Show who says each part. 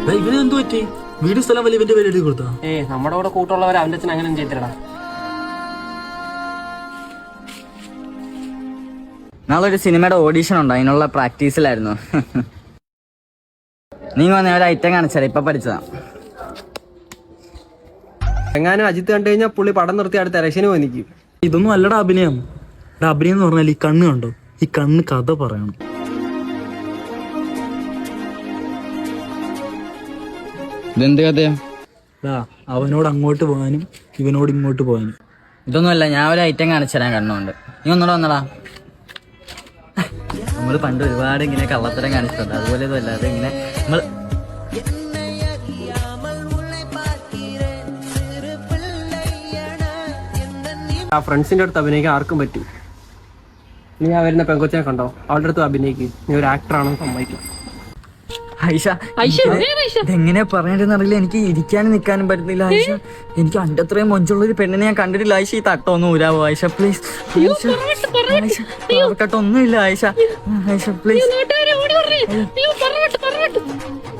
Speaker 1: ഇവന് എന്ത് പറ്റി? വീട് സ്ഥലം വലിയ ഇവന്റെ പേര് എഴുതി കൊടുത്താ?
Speaker 2: നമ്മുടെ കൂടെ കൂട്ടുള്ളവർ അവന്റെ അച്ഛൻ അങ്ങനെ ചെയ്തിടാ.
Speaker 3: നാളെ ഒരു സിനിമയുടെ ഓഡീഷൻ ഉണ്ടോ? അതിനുള്ള പ്രാക്ടീസിലായിരുന്നു. നീ വന്ന ഒരു ഐറ്റം കാണിച്ചാലേ ഇപ്പൊ പഠിച്ചതാ.
Speaker 2: എങ്ങാനും അജിത്ത് കണ്ടു കഴിഞ്ഞാൽ പുള്ളി പടം നിർത്തി അടുത്ത ഇലക്ഷന് പോയി നിൽക്കും.
Speaker 1: ഇതൊന്നും അല്ലടാ അഭിനയം. അഭിനയം എന്ന് പറഞ്ഞാൽ ഈ കണ്ണ് കണ്ടോ? ഈ കണ്ണ് കഥ പറയണം.
Speaker 3: ഇതെന്ത് കഥയാ?
Speaker 1: അവനോട് അങ്ങോട്ട് പോകാനും ഇവനോട് ഇങ്ങോട്ട് പോകാനും.
Speaker 3: ഇതൊന്നുമല്ല, ഞാൻ ഒരു ഐറ്റം കാണിച്ചുതരാൻ കണ്ണുകൊണ്ട്. നീ ഒന്നൂടെ വന്നടാ. നമ്മള് പണ്ട് ഒരുപാട് ഇങ്ങനെ കള്ളത്തരം കാണിച്ചിട്ടുണ്ട്. അതുപോലെ ഇതല്ലാതെ ഇങ്ങനെ നമ്മൾ
Speaker 2: ആ ഫ്രണ്ട്സിന്റെ അടുത്ത് അഭിനയിക്കാൻ ആർക്കും പറ്റും. നീ ആ വരുന്ന പെങ്കൊച്ചിനെ കണ്ടോ? അവളുടെ അടുത്ത് അഭിനയിക്കും. നീ ഒരു ആക്ടറാണെന്ന് സമ്മതിക്കും.
Speaker 3: എങ്ങനെ പറയണ്ടെന്ന് അറിയില്ല. എനിക്ക് ഇരിക്കാനും നിൽക്കാനും പറ്റുന്നില്ല ആയിഷ. എനിക്ക് അന്റെ അത്രയും മൊഞ്ചുള്ളൊരു പെണ്ണിനെ ഞാൻ കണ്ടിട്ടില്ല ആയിഷ. ഈ തട്ടൊന്നും ഊരാവോ ആയിഷ പ്ലീസ്? കട്ടൊന്നുമില്ല ആയിഷ. ആയിഷ പ്ലീസ്.